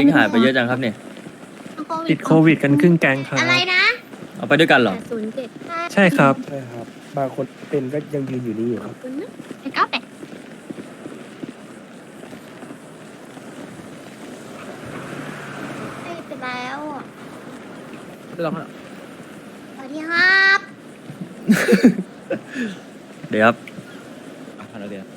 หายไปเยอะจังครับเนี่ยติดโควิดกันครึ่งแก๊งครับอะไรนะเอาไปด้วยกันเหรอ 807 ใช่ครับใช่ครับ บางคนเป็นก็ยังยืนอยู่นี่อยู่ขคอรับบ คุณนะ898ไปแล้วอ่ะลองสวัสดีครับเดี๋ยวครับเดี๋ยว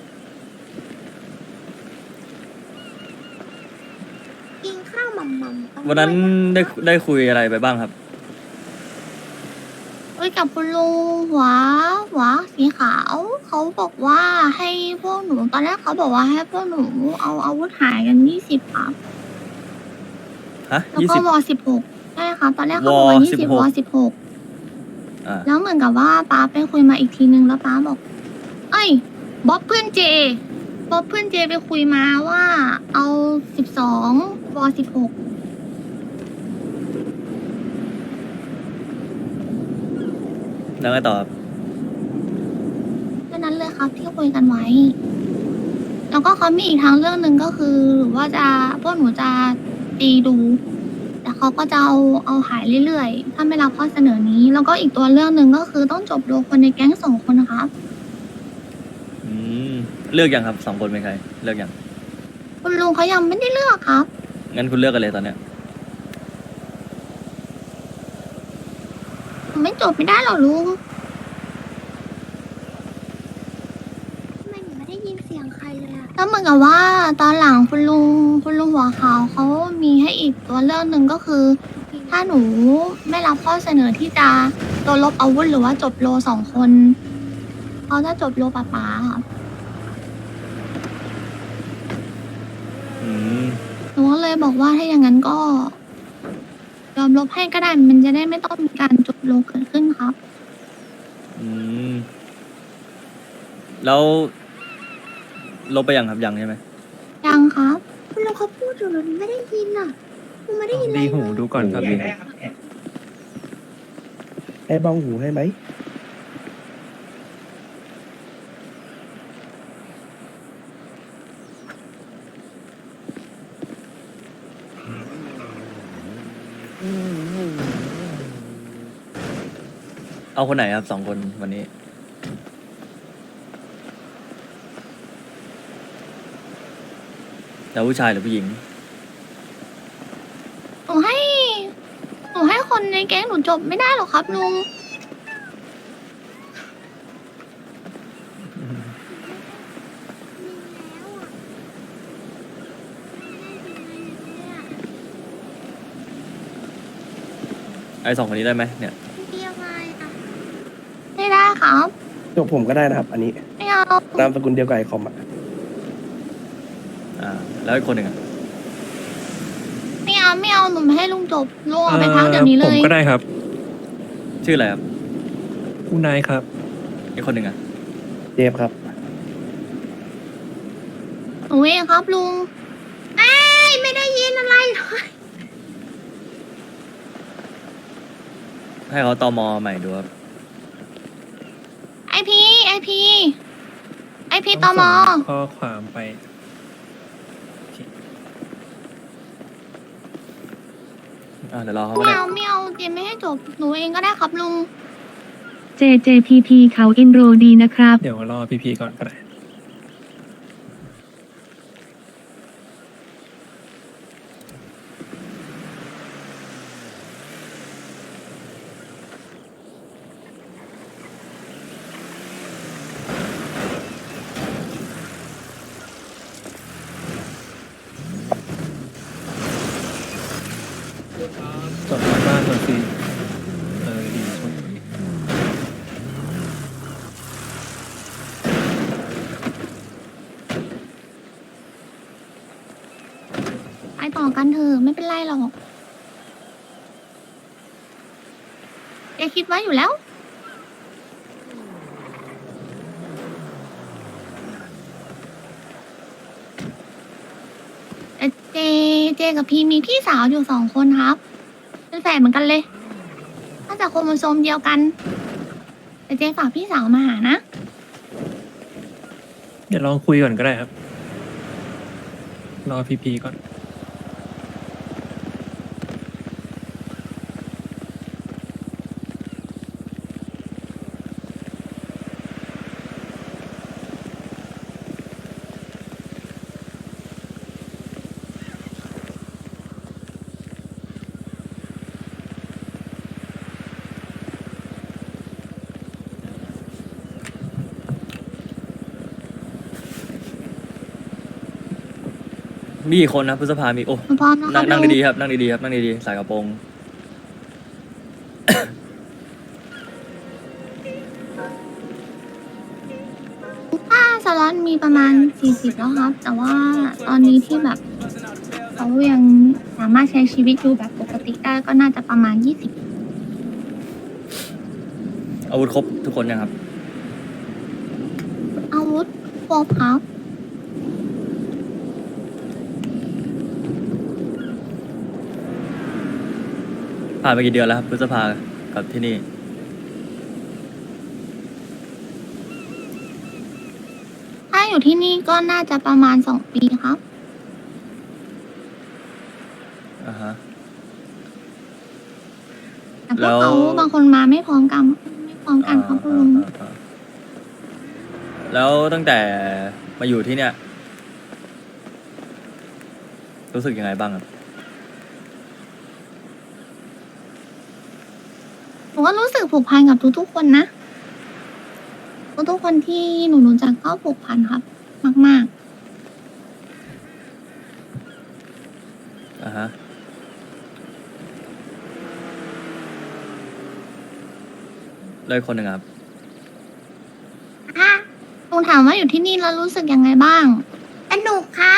กินข้าวมัมมัมวันนั้นได้คุยอะไรไปบ้างครับคุยกับคุณลุงหัวสีขาว เขาบอกว่าให้พวกหนูตอนแรกเขาบอกว่าให้พวกหนูเอาอาวุธหายกัน20ครับฮะแล้วยี่ก็สิบว16ใช่ครับตอนแรกเขาบอกว่า20 วว 16 16 อ่าแล้วเหมือนกับว่าป้าไปคุยมาอีกทีนึงแล้วป้าบอก เอ้ยบ๊อบเพื่อนเจไปคุยมาว่าเอา12ว16 แล้วไงต่อครับแค่นั้นเลยครับที่คุยกันไว้ แล้วก็เขามีอีกทางเรื่องหนึ่งก็คือหรือว่าจะพวกหนูจะตีดู แต่เขาก็จะเอาหายเรื่อยๆ ถ้าไม่รับข้อเสนอนี้ แล้วก็อีกตัวเรื่องหนึ่งก็คือต้องจบโดยคนในแก๊ง2 คนนะครับอืมเลือกยังครับ2 คนเป็นใคร เลือกยังคุณลุงเขายังไม่ได้เลือกครับงั้นคุณเลือกกันเลยตอนเนี้ยไม่จบไม่ได้หรอลุงทำไมหนูไม่ได้ยินเสียงใครเลยอะแล้วเหมือนกับว่าตอนหลังคุณลุงหัวขาวเขามีให้อีกตัวเรื่องหนึ่งก็คือ ถ้าหนูไม่รับข้อเสนอที่จะตัวลบอาวุธหรือว่าจบโล2 คนเขาจะจบโลป๋าค่ะอืมหนูก็เลยบอกว่าถ้าอย่างนั้นก็ยอมลบให้ก็ได้มันจะได้ไม่ต้องมีการจบโลเกิดขึ้นครับอืม แล้วลบไปยังครับยังใช่ไหมยังครับคุณลุงเขาพูดอยู่หนูไม่ได้ยินอ่ะหนูไม่ได้ยินอะไรดีเลหูยดูก่อนครับดีให้บ้องหูให้ไหมเอาคนไหนครับ2 คนวันนี้ แล้วผู้ชายหรือผู้หญิงหนูให้คนในแก๊งหนูจบไม่ได้หรอกครับลุงไอ้2 คนนี้ได้ไหมเนี่ยไม่ได้ครับจบผมก็ได้นะครับ อันนี้ไม่เอานามสกุลเดียวกับไอคอมอ่ะอ่า แล้วอีกคนหนึ่งอ่ะไม่เอาหนูไม่ให้ลุงจบลุงเอาไปพักเดี๋ยวนี้เลผมยก็ได้ครับชื่ออะไรครับคุณนายครับอีกคนหนึ่งอ่ะเจฟครับหนูเองครับลุงเอ้ยไม่ได้ยินอะไรเลยให้เขาตอมอใหม่ดูครับไอพีตมข้อความไปเดี๋ยวรอเขาก็ไม่ได้เอาเจมไม่ให้จบหนูเองก็ได้ครับลุง JJPP เขาเอ็นโรดีนะครับเดี๋ยวรอพี่ๆก่อนก็ได้ จดหมายบ้านก่อนสิดีช่วยไปต่อกันเถอะไม่เป็นไรหรอกแกคิดไว้อยู่แล้ว แต่เจกับพีมีพี่สาวอยู่2 คนครับ เป็นแฝดเหมือนกันเลยน่าจะโครโมโซมเดียวกัน แต่เจฝากพี่สาวมาหานะเดี๋ยวลองคุยก่อนก็ได้ครับ รอพี่ๆก่อนมีกี่คนนะพฤษภามีโอ้หนูพร้อมนะครันั่บงลุงดีๆครับนั่งดีๆครับนั่งดีๆใส่กระโปรงถ้าสล็อตมีประมาณ 40 แล้วครับ แต่ว่าตอนนี้ที่แบบเขายังสามารถใช้ชีวิตอยู่แบบปกติได้ก็น่าจะประมาณ 20 อาวุธครบทุกคนยังครับอาวุธครบครับผ่านไปกี่เดือนแล้วครับพฤษภากับที่นี่ถ้าอยู่ที่นี่ก็น่าจะประมาณ 2 ปีครับอ่าฮะแต่พแล้ว วกเขาบางคนมาไม่พร้อมกันครับคุณลุงอ่าแล้วตั้งแต่มาอยู่ที่เนี่ย รู้สึกยังไงบ้างครับผมก็รู้สึกผูกพันกับทุกๆคนนะ ทุกๆคนที่หนูรู้จักก็ผูกพันครับ มากอ่าฮะ เลยคนหนึ่งอะครับๆอ่ะลุงถามว่าอยู่ที่นี่แล้วรู้สึกยังไงบ้างสนุกครับ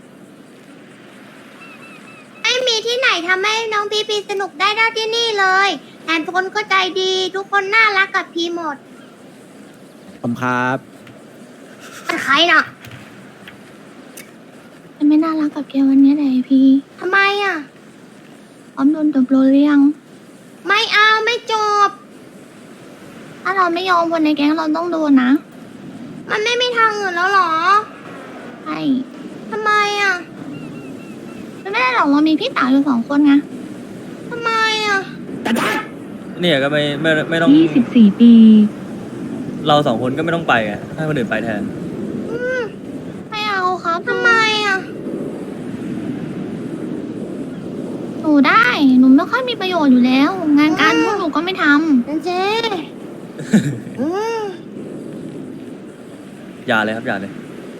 ไม่มีที่ไหนทำให้น้องพีพีสนุกได้เท่าที่นี่เลยแถมทุกคนก็ใจดี ทุกคนน่ารักกับพีหมดผมครับเป็นใครน่ะไม่น่ารักกับแกวันนี้เลยพี่ทำไมอ่ะพร้อมโดนตบโรเรียง ไม่เอาไม่จบ ถ้าเราไม่ยอมคนในแก๊งเราต้องโดนนะ มันไม่มีทางอื่นแล้วหรอ ใช่ทำไมอ่ะมันไม่ได้หรอกเรามีพี่สาวอยู่2 คนไงทำไมอ่ะเนี่ยก็ไม่ต้อง 24 ปีเรา2 คนก็ไม่ต้องไปไงให้คนอื่นไปแทนไม่เอาครับทำไมอ่ะ หนูได้ หนูไม่ค่อยมีประโยชน์อยู่แล้ว งานการพวกหนูก็ไม่ทำเจ๊อย่าเลยครับอย่าเลย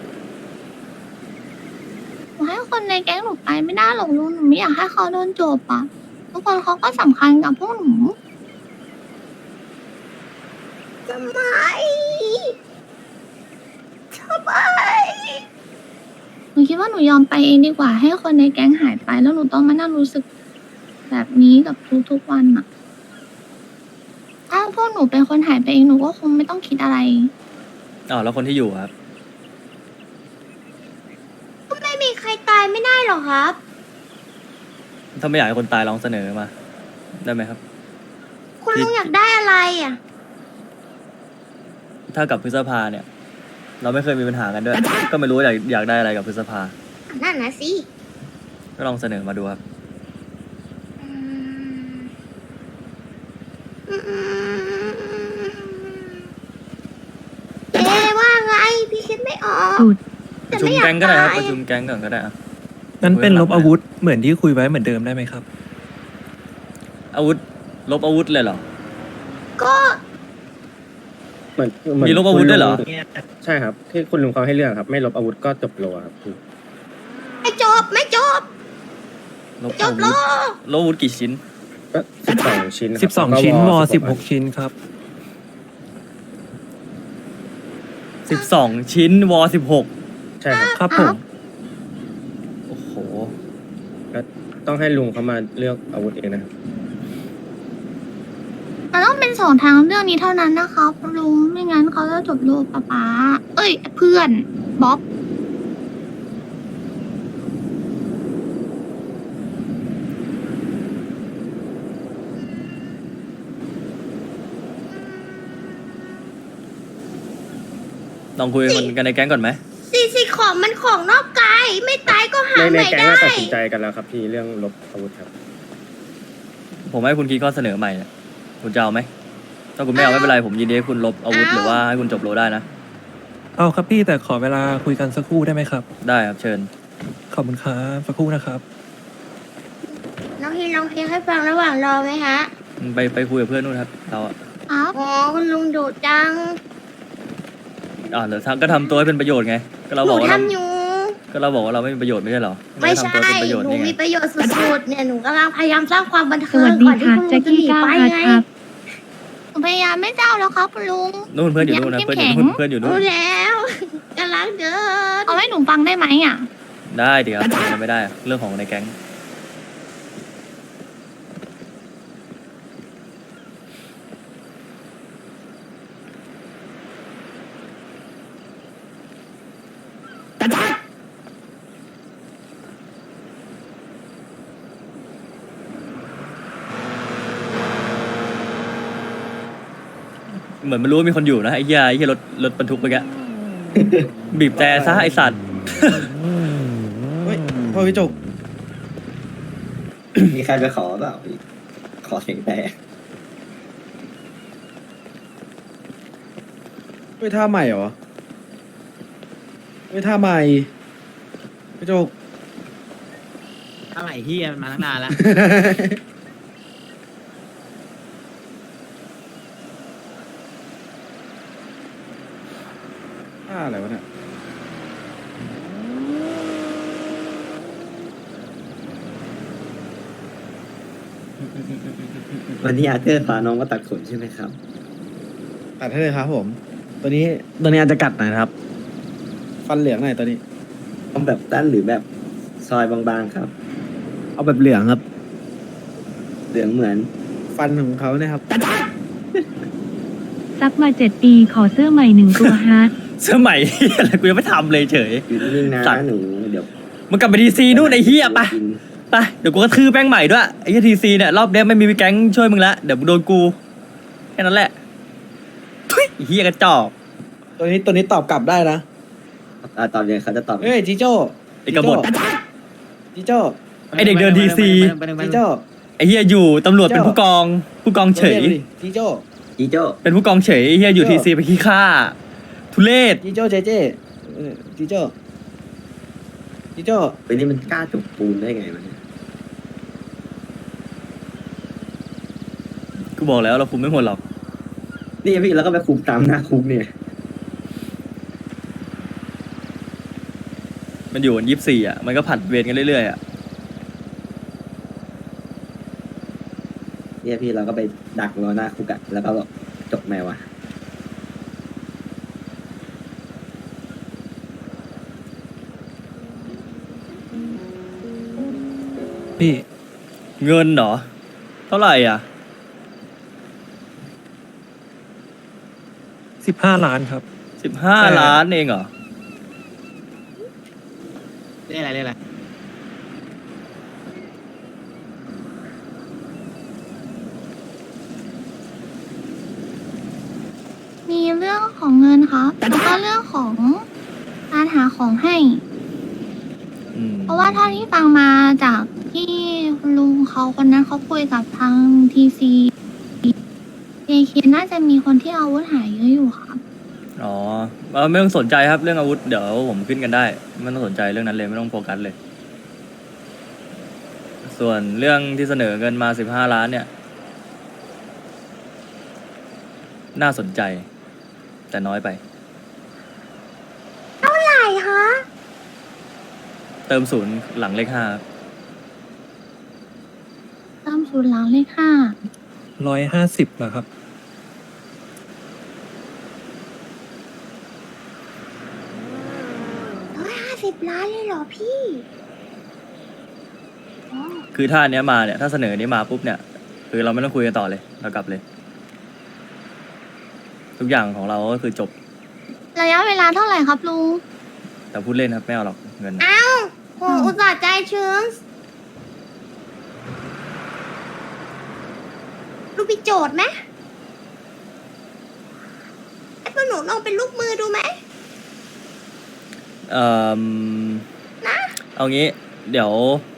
หนูให้คนในแก๊งหนูไปไม่ได้หรอกลุงหนูไม่อยากให้เขาโดนจบอ่ะ ทุกคนเขาก็สำคัญกับพวกหนูทำไมหนูคิดว่าหนูยอมไปเองดีกว่า ให้คนในแก๊งหายไป แล้วหนูต้องมานั่งรู้สึกแบบนี้กับทุกๆวันอ่ะ ถ้าพวกหนูเป็นคนหายไปเองหนูก็คงไม่ต้องคิดอะไรอ้าวแล้วคนที่อยู่อะครับก็ไม่มีใครตายไม่ได้หรอครับถ้าไม่อยากให้คนตายลองเสนอมา ได้ไหมครับคุณลุงอยากได้อะไรอ่ะถ้ากับพฤษภาเนี่ย เราไม่เคยมีปัญหากันด้วย ก็ไม่รู้ว่าอยากได้อะไรกับพฤษภานั่นนะสิก็ลองเสนอมาดูครับว่าไง พี่คิดไม่ออกสุดประชุมแก๊งก็ได้ครับประชุมแก๊งก่อนก็ได้อะงั้นเป็นลบอาวุธเหมือนที่คุยไว้เหมือนเดิมได้ไหมครับอาวุธลบอาวุธเลยเหรอก็เหมือนมีลบอาวุธด้วยเหรอใช่ครับที่คุณลุงเขาให้เลือกครับ ไม่ลบอาวุธก็จบโลครับไม่จบลบจอาบวุโลธลบอาวุธกี่ชิ้นก็12 ชิ้นครับ 12 ชิ้นแล้วก็ว 16 16 ชิ้นครับ 12 ชิ้นว16 ใช่ครับครับผมโอ้โหต้องให้ลุงเขามาเลือกอาวุธเองนะครับมันต้องเป็น2 ทางเรื่องนี้เท่านั้นนะครับลุง ไม่งั้นเขาจะจบโลกป๊าเอ้ย เพื่อนบ๊อบลองคุยกันในแก๊งก่อนไหมสิของมันของนอกกาย ไม่ตายก็หาในใหม่แก๊งได้ก็ตัดสินใจกันแล้วครับพี่เรื่องลบอาวุธครับผมให้คุณคิดข้อเสนอใหม่เนี่ยคุณจะเอาไหม ถ้าคุณไม่เอาไม่เป็นไร ผมยินดีให้คุณลบอาวุธหรือว่าให้คุณจบโลได้นะเอาครับพี่แต่ขอเวลาคุยกันสักครู่ได้ไหมครับได้ครับเชิญขอบคุณครับสักครู่นะครับน้องฮินลองเพลงให้ฟังระหว่างรอไหมฮะไปคุยกับเพื่อนนู่นครับ เราอะครับอ๋อคุณลุงดุจังเดี๋ยวก็ทำตัวให้เป็นประโยชน์ไง ก็เราหบนูอกว่าเราทำอยู่ก็เราบอกว่าเราไม่มีประโยชน์ไม่ใช่เหรอไม่ด้ใช่ทำตัวเป็นประโยชน์หนูนี่ไงมีประโยชน์สุดๆเนี่ยหนูกำลังพยายามสร้างความบันสเทิงวัสดีก่อนที่ค่ะคุณลุแจ็งคจะหกี้นีก้าวไปพัดไงครับหนูพยายามไม่เจ้าแล้วครับคุณลุงนู่นเพื่อนอยู่นู่นนะยังเพื่อนอยู่เข้มนู่นแข็งเพื่อนอยู่นู่รู้นแล้วกำลังเดินเอาให้หนูฟังได้ไหมอ่ะได้เดี๋ยวทำไม่ได้อะเรื่องของในแก๊ง เหมือนมันรู้ว่ามีคนอยู่นะไอ้เหี้ยรถบรรทุกไปแก บีบแต่ซะไอสัตว์เฮ้ยพ่อพี่จุกมีใครไปขอเปล่าพี่ขอเสียงแต่เฮ้ยท่าใหม่เหรอเฮ้ยท่าใหม่พี่จุกอะไรเฮียมันมาตั้งนานแล้วท่าอะไรวะเนี่ยวันนี้อาเธอร์พาน้องมาตัดขนใช่ไหมครับตัดให้เลยครับผม ตัวนี้ตัวนี้อาจจะกัดหน่อยนะครับฟันเหลืองหน่อยตัวนี้ต้องแบบตั้นหรือแบบซอยบางๆครับเอาแบบเหลืองครับเหลืองเหมือนฟันของเขาเนี่ยครับซักมา7 ปีขอเสื้อใหม่1 ตัวฮะเสื้อใหม่ อะไรกูยังไม่ทำเลยเฉยอยู่นิ่งๆนะสัตว์หนูเดี๋ยวมึงกลับไปทีซีนู่นไอ้เหี้ยไปกินไปเดี๋ยวกูก็ทื่อแป้งใหม่ด้วยไอ้เหี้ยทีซีเนี่ยรอบเนี้ยไม่มีแก๊งช่วยมึงละเดี๋ยวมึงโดนกูแค่นั้นแหละทุยไอ้เหี้ยกระจอกตัวนี้ตอบกลับได้นะตอนเย็นเขาจะตอบเฮ้ยจิโจ้ไอ้กบฏจิโจ้ไอ้เด็กเดินทีซีจิโจ้ไอ้เหี้ยอยู่ตำรวจเป็นผู้กองเฉยจิโจ้จีโจ้เป็นผู้กองเฉยไอ้เหี้ยอยู่ทีซีไปขี้ข้าทุเรศจิโจ้เจเจจิโจ้จิโจ้วันนี้มันกล้าจกปูนได้ไงวะเนี่ยกูบอกแล้วเราคุมไม่หมดหรอกนี่พี่แล้วก็ไปคุมตามหน้าคุกเนี่ยมันอยู่กัน24อ่ะมันก็ผัดเวรกันเรื่อยๆอ่ะเนี่ยพี่เราก็ไปดักรอหน้าคุกอะแล้วก็บอกจบไหมวะพี่เงินเหรอเท่าไหร่อ่ะ 15 ล้านครับ 15 ล้านเองเหรอเรียกอะไรมีเรื่องของเงินครับแล้วก็เรื่องของการหาของให้อืมเพราะว่าเท่าที่ฟังมาจากที่คุณลุงเขาคนนั้นเขาคุยกับทางทีซีเอเคน่าจะมีคนที่เอาอาวุธหายเยอะอยู่ครับอ๋อไม่ต้องสนใจครับเรื่องอาวุธเดี๋ยวผมขึ้นกันได้ไม่ต้องสนใจเรื่องนั้นเลยไม่ต้องโฟกัสเลย ส่วนเรื่องที่เสนอเงินมา15 ล้านเนี่ย น่าสนใจ แต่น้อยไปใช่คะเติม0หลังเลข5ครับตามสูตรหลังเลข5 150เหรอครับ 150 ล้านเลยเหรอพี่อ๋อคือถ้าอันเนี้ยมาเนี่ยถ้าเสนออนนี้มาปุ๊บเนี่ย คือเราไม่ต้องคุยกันต่อเลยเรากลับเลย ทุกอย่างของเราก็คือจบระยะเวลาเท่าไหร่ครับลุงแต่พูดเล่นครับไม่เอาหรอกเงินอ้าวโหอุตส่าห์ใจชื้นลูกพี่โจทย์ไหมไอ้พวกหนูลองเป็นลูกมือดูไหมเอ่อนะเอางี้ เดี๋ยว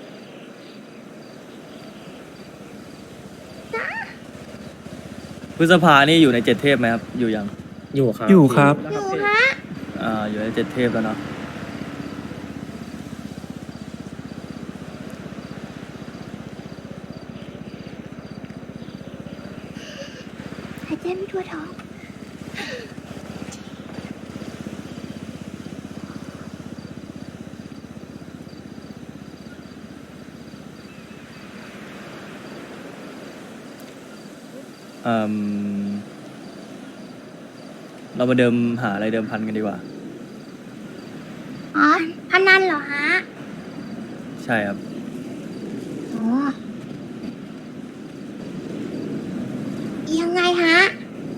พฤษภานี่อยู่ใน7 เทพไหมครับ อยู่ยังอยู่ครับอยู่ครับอยู่ฮะอยู่ใน7 เทพแล้วเนาะหายใจไม่ทั่วท้องอืมเรามาเดิมหาอะไรเดิมพันกันดีกว่าอ๋อพนันเหรอฮะใช่ครับอ๋อยังไงฮะ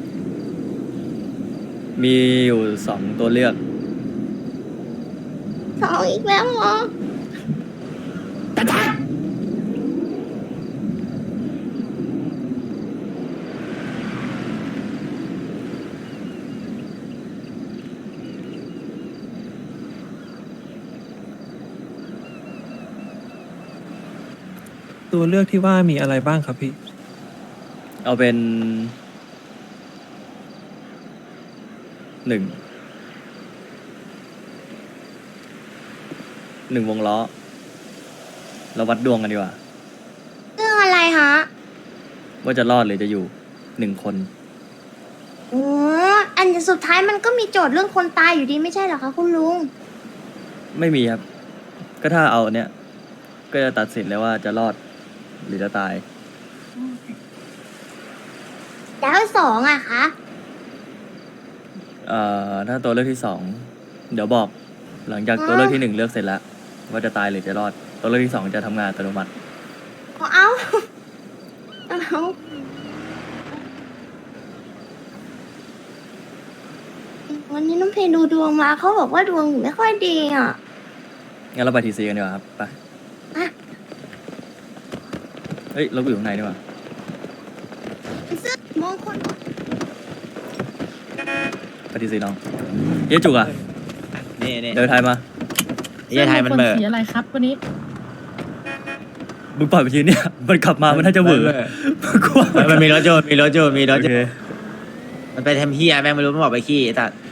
มีอยู่สองตัวเลือกสองอีกแล้วเหรอตัวเลือกที่ว่ามีอะไรบ้างครับพี่เอาเป็นหนึ่งวงล้อ เราวัดดวงกันดีกว่าเรื่องอะไรฮะว่าจะรอดหรือจะอยู่1 คนโอ้อันสุดท้ายมันก็มีโจทย์เรื่องคนตายอยู่ดีไม่ใช่เหรอคะคุณลุงไม่มีครับ ก็ถ้าเอาเนี้ยก็จะตัดสินแล้วว่าจะรอดหรือจะตายแล้วสองอะคะถ้าตัวเลือกที่2เดี๋ยวบอก หลังจากตัวเลือกที่1เลือกเสร็จแล้วว่าจะตายหรือจะรอด ตัวเลือกที่2จะทำงานอัตโนมัติเอาวันนี้น้องเพลดูดวงมาเขาบอกว่าดวงหนูไม่ค่อยดีอ่ะงั้นเราไปทีซีกันดีกว่าครับ ไปอ่ะเฮ้ย เราอยู่ข้างในดีกว่าซึ่งมงคลไปทีซีน้องเย้จุกอ่ะนี่เดินไทยมาเหี้ยไทยมันเบอร์สีอะไรครับวันนี้มึงปล่อยไปทีเนี่ย มันขับมามันน่าจะเหวอกูว่ามันมีรถโจรมีรถโจรโอเคมันไปทำเฮียแม่งไม่รู้มันบอกไปขี้ไอ้สัตว์